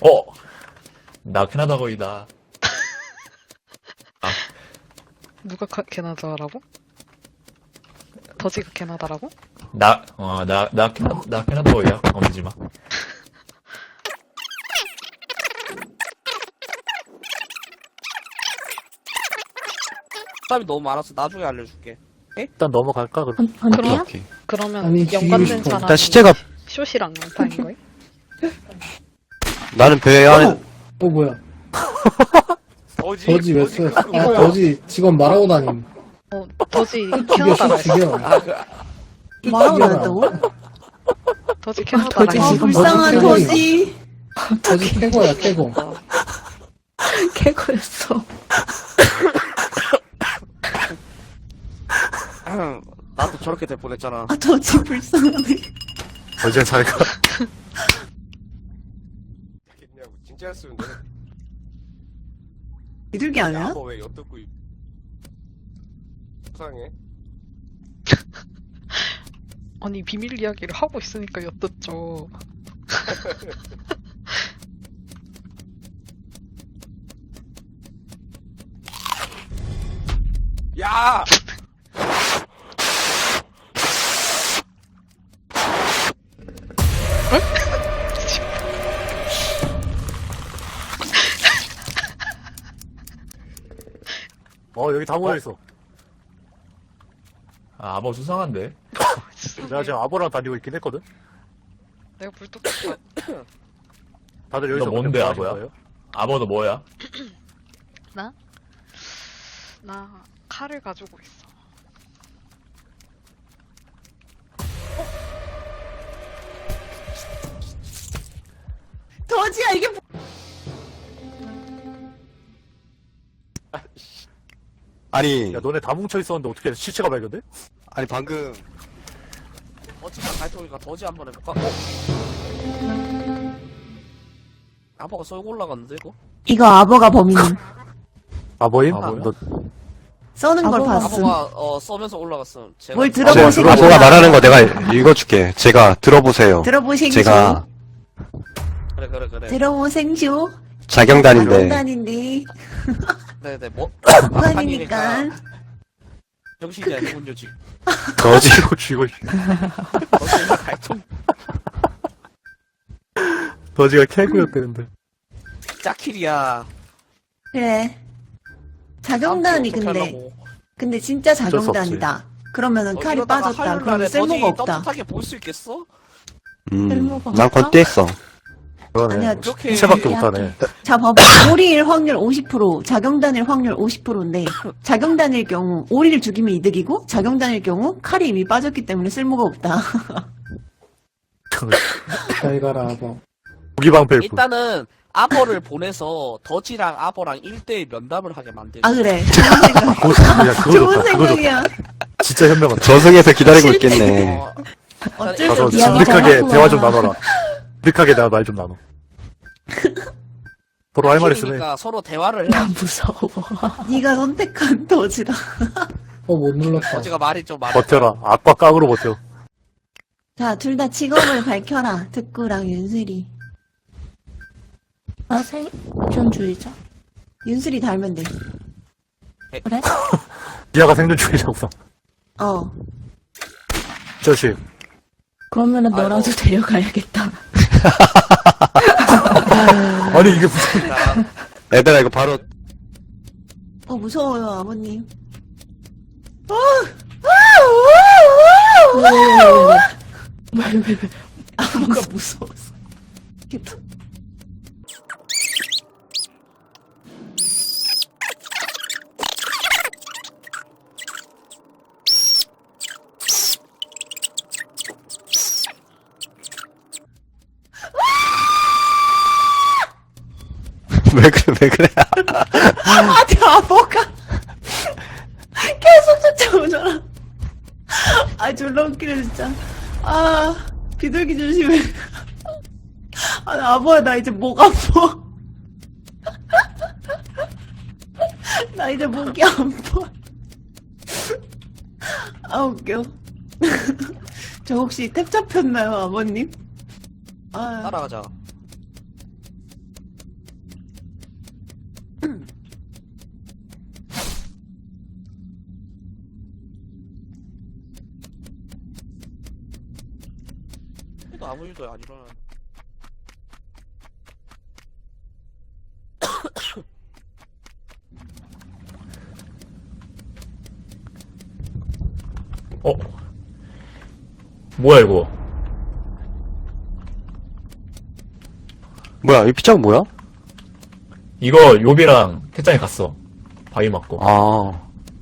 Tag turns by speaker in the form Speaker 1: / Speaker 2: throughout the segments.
Speaker 1: 나 캐나다 거이다.
Speaker 2: 누가 캐나다라고? 더지가 캐나다라고?
Speaker 1: 나 캐나다 거이야. 건들지 마.
Speaker 3: 답이 너무 많아서 나중에 알려줄게.
Speaker 4: 일단 넘어갈까 그럼?
Speaker 2: 그럼?
Speaker 5: 오케이.
Speaker 2: 그러면
Speaker 6: 아니,
Speaker 2: 연관된
Speaker 6: 죽이고 싶어.
Speaker 2: 사람이
Speaker 5: 일단 시체가
Speaker 2: 숏이랑 양파인 거야?
Speaker 5: 나는 배 안에
Speaker 6: 뭐야.
Speaker 3: 더지?
Speaker 6: 더지 왜 써?
Speaker 3: 그거
Speaker 6: 아,
Speaker 3: 뭐야?
Speaker 6: 더지 직원 말하고 다님.
Speaker 2: 더지
Speaker 6: 죽여,
Speaker 2: 캐나다라 했어.
Speaker 6: 죽여.
Speaker 7: 말하고
Speaker 6: 죽여라.
Speaker 7: 다녔다고?
Speaker 2: 더지 캐나다라
Speaker 6: 더지
Speaker 7: 아,
Speaker 2: 했어.
Speaker 6: 지금
Speaker 7: 불쌍한
Speaker 6: 더지
Speaker 7: 더지.
Speaker 6: 더지 캐고야, 캐고.
Speaker 7: 개거였어.
Speaker 3: 나도 저렇게 될 뻔했잖아.
Speaker 7: 아, 더지 불쌍하네.
Speaker 4: 어제 잘가.
Speaker 8: 그냥 진짜 했으면 돼.
Speaker 7: 비둘기 아니야?
Speaker 8: 너 왜 엿듣고 이상해?
Speaker 2: 아니 비밀 이야기를 하고 있으니까 엿듣죠.
Speaker 8: 야!
Speaker 4: 여기 다 모여있어.
Speaker 1: 아버 수상한데?
Speaker 4: 내가 지금 아보랑 다니고 있긴 했거든?
Speaker 2: 내가 불뚝뚝
Speaker 4: 다들 여기서
Speaker 1: 너 뭔데,
Speaker 4: 그냥 뭐
Speaker 1: 아보야?
Speaker 4: 하신 거예요?
Speaker 1: 아버 너 뭐야?
Speaker 2: 나 칼을 가지고 있어.
Speaker 7: 더지야, 이게 뭐...
Speaker 5: 아니
Speaker 4: 야, 너네 다 뭉쳐있었는데 어떻게 시체가 발견돼?
Speaker 5: 아니 방금
Speaker 3: 더지가 갈통이니까 더지 한번 해볼까? 아빠가 썰고 올라갔는데 이거?
Speaker 7: 이거 아버가 범인.
Speaker 4: 아보임?
Speaker 1: 아보야?
Speaker 4: 너,
Speaker 7: 써는 걸
Speaker 6: 아버가
Speaker 7: 봤음.
Speaker 3: 아빠가 써면서 올라갔음. 제가
Speaker 7: 뭘
Speaker 5: 제
Speaker 7: 들어보시고.
Speaker 5: 아보가 말하는 거 내가 읽어줄게. 제가 들어보세요.
Speaker 7: 들어보생쇼.
Speaker 5: 제가
Speaker 3: 그래.
Speaker 7: 들어보생쇼.
Speaker 5: 자경단인데
Speaker 7: 장단인데.
Speaker 3: 네네 뭐
Speaker 7: 장단이니까.
Speaker 3: 정신이 아니군요 지금.
Speaker 5: 더지
Speaker 4: 쥐고,
Speaker 3: 더지가 갈통
Speaker 4: 더지가 캐구였대는데.
Speaker 3: 짜킬이야.
Speaker 7: 그래. 자경단이 근데 진짜
Speaker 4: 어쩔 수 없지.
Speaker 7: 자경단이다. 그러면은 칼이 빠졌다. 그러면 쓸모가 없다.
Speaker 3: 떳떳하게 볼 수 있겠어?
Speaker 5: 난 건대했어.
Speaker 4: 그러네.
Speaker 7: 아니야,
Speaker 3: 그렇게
Speaker 4: 시체밖에
Speaker 7: 얘기할게.
Speaker 4: 못하네.
Speaker 7: 자, 봐봐. 오리일 확률 50%, 자경단일 확률 50%인데, 자경단일 경우, 오리를 죽이면 이득이고, 자경단일 경우, 칼이 이미 빠졌기 때문에 쓸모가 없다.
Speaker 6: 잘 가라, 아버.
Speaker 4: 무기방패일 뿐.
Speaker 3: 일단은 아버를 보내서 더지랑 아버랑 1대1 면담을 하게 만들고.
Speaker 7: 아, 그래.
Speaker 4: 야, 그거
Speaker 7: 좋은
Speaker 4: 좋다. 그거 좋다.
Speaker 7: 생각이야.
Speaker 4: 진짜 현명하다.
Speaker 5: 저승에서 기다리고 있겠네.
Speaker 3: 어,
Speaker 7: 어쩔 수
Speaker 4: 가서
Speaker 7: 없이
Speaker 4: 진득하게 대화 좀 나눠라. 진득하게 내가 말 좀 나눠. 서로 할 말 있으면 해.
Speaker 3: 그러니까 서로 대화를 해.
Speaker 7: 무서워. 네가 선택한 더지다.
Speaker 6: 못 눌렀다.
Speaker 3: 더지가 말이 좀 많아.
Speaker 4: 버텨라. 악과 깡으로 버텨.
Speaker 7: 자, 둘 다 직업을 밝혀라. 득구랑 윤슬이.
Speaker 9: 나 생존주의자.
Speaker 7: 윤슬이 달면 돼.
Speaker 9: 그래?
Speaker 4: 니아가 생존주의자구나.
Speaker 7: 어.
Speaker 4: 저씨.
Speaker 9: 그러면은
Speaker 3: 아이고.
Speaker 9: 너라도 데려가야겠다.
Speaker 4: 아니, 이게 무슨.
Speaker 5: 얘들아 이거 바로
Speaker 7: 무서워요, 아버님.
Speaker 9: 왜?
Speaker 7: 아버가 무서웠어. 이렇게
Speaker 5: 왜 그래?
Speaker 7: 아니, 아버가 계속 쫓아오잖아. 아, 졸라 웃기네, 진짜. 아, 비둘기 조심해. 아, 나 아버야, 나 이제 목 아파. 나 이제 목이 아파. 아, 웃겨. 저 혹시 탭 잡혔나요, 아버님? 아,
Speaker 3: 따라가자. 그래도 아무 일도 안 일어나.
Speaker 1: 어? 뭐야 이거?
Speaker 5: 뭐야, 이 피자가 뭐야?
Speaker 1: 이거 요비랑 태짱이 갔어. 바위 맞고.
Speaker 5: 아.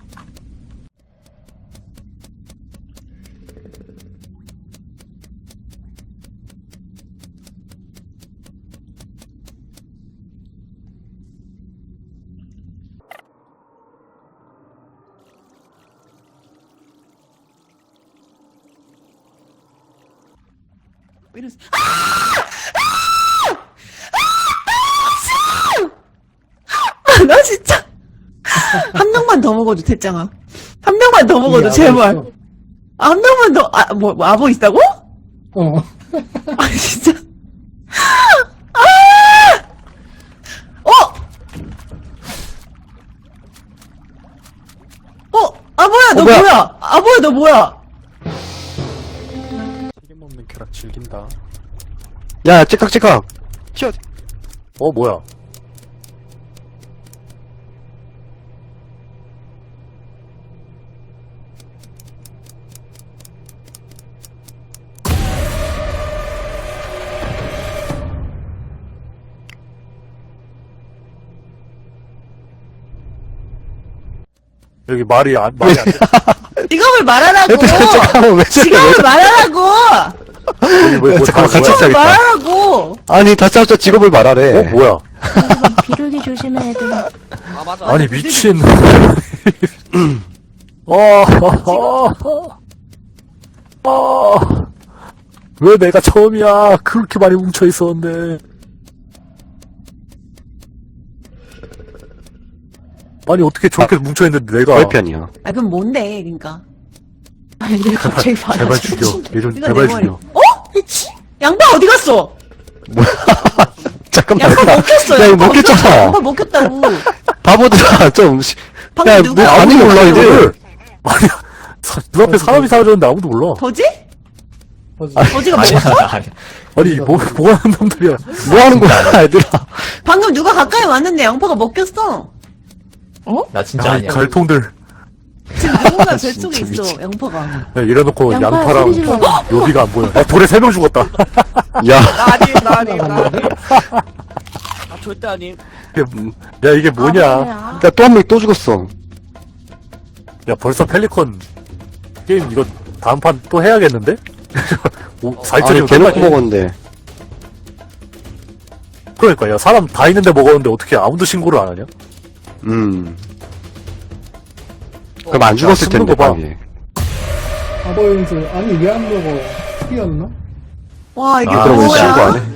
Speaker 7: 이랬어. 나 진짜 한 명만 더 먹어줘 태짱아. 한 명만 더 먹어줘 제발.
Speaker 6: 있어.
Speaker 7: 한 명만 더. 뭐 아버 있다고?
Speaker 6: 어.
Speaker 7: 아 진짜. 아버야 너
Speaker 5: 뭐야?
Speaker 7: 뭐야? 아버야 너 뭐야?
Speaker 4: 튀김 먹는 쾌락 즐긴다.
Speaker 5: 야, 찌깍찌깍. 튀어.
Speaker 4: 뭐야. 여기 말이 안 돼.
Speaker 7: 직업을 말하라고.
Speaker 5: 잠깐만, 왜 저래?
Speaker 7: 직업을 말하라고.
Speaker 4: 왜
Speaker 5: 잠깐만, 같이
Speaker 4: 뭐야?
Speaker 5: 싸겠다.
Speaker 7: 말하라고.
Speaker 5: 아니, 다짜고짜 직업을 말하래.
Speaker 4: 뭐야.
Speaker 9: 비둘기 조심해, 얘들아.
Speaker 3: 아 맞아.
Speaker 4: 아니 미친. 왜 내가 처음이야? 그렇게 많이 뭉쳐 있었는데. 아니 어떻게 저렇게 뭉쳐 있는데 내가?
Speaker 5: 저의 편이야.
Speaker 7: 아 그럼 뭔데 그러니까.
Speaker 9: 아, 얘들 갑자기
Speaker 4: 제발
Speaker 9: 받아줘.
Speaker 4: 죽여. 얘 좀
Speaker 7: 이거
Speaker 4: 제발
Speaker 7: 내 머리.
Speaker 4: 죽여.
Speaker 7: 양파 어디 갔어?
Speaker 5: 잠깐만.
Speaker 7: 양파 먹혔어.
Speaker 5: 야, 이거
Speaker 7: 양파
Speaker 5: 먹혔잖아.
Speaker 7: 양파 먹혔다고.
Speaker 5: 바보들아, 좀.
Speaker 7: 방금
Speaker 5: 야,
Speaker 7: 누가
Speaker 5: 뭐 반응이
Speaker 7: 아무도
Speaker 5: 몰라, 이제.
Speaker 4: 이거를. 아니 눈앞에 사람이 사라졌는데 아무도 몰라.
Speaker 7: 더지?
Speaker 6: 뭐지?
Speaker 7: 더지가
Speaker 1: 아니야,
Speaker 7: 먹었어?
Speaker 1: 아니야.
Speaker 4: 아니 뭐 하는 놈들이야.
Speaker 5: 뭐 하는 거야, 얘들아.
Speaker 7: 방금 누가 가까이 왔는데 양파가 먹혔어.
Speaker 1: 나 진짜
Speaker 4: 야, 이
Speaker 1: 아니야.
Speaker 4: 갈통들.
Speaker 7: 지금 누군가 뱃속에
Speaker 5: 진짜
Speaker 7: 있어
Speaker 5: 미친.
Speaker 7: 양파가.
Speaker 4: 야, 이래놓고
Speaker 9: 양파야,
Speaker 4: 양파랑
Speaker 9: 소리 질러.
Speaker 4: 요비가 안 보여. 야, 돌에 3명 죽었다.
Speaker 5: 야,
Speaker 3: 나 아님. 아 절대 아님.
Speaker 4: 야, 이게 뭐냐.
Speaker 9: 아,
Speaker 5: 야, 또 한 명 또 죽었어.
Speaker 4: 야, 벌써 펠리컨 게임 이거 다음 판 또 해야겠는데? 4일짜리
Speaker 5: 아니, 대놓고 먹었는데.
Speaker 4: 그러니까, 야, 사람 다 있는데 먹었는데 어떻게 아무도 신고를 안 하냐?
Speaker 5: 그럼 안 죽었을
Speaker 4: 야,
Speaker 5: 텐데,
Speaker 4: 거 봐.
Speaker 5: 방에.
Speaker 6: 아버 연수. 아니 왜 안 먹어? 뛰었나?
Speaker 7: 와 이게
Speaker 4: 아,
Speaker 5: 그럼 왜
Speaker 7: 뭐야?
Speaker 5: 신고 안 해?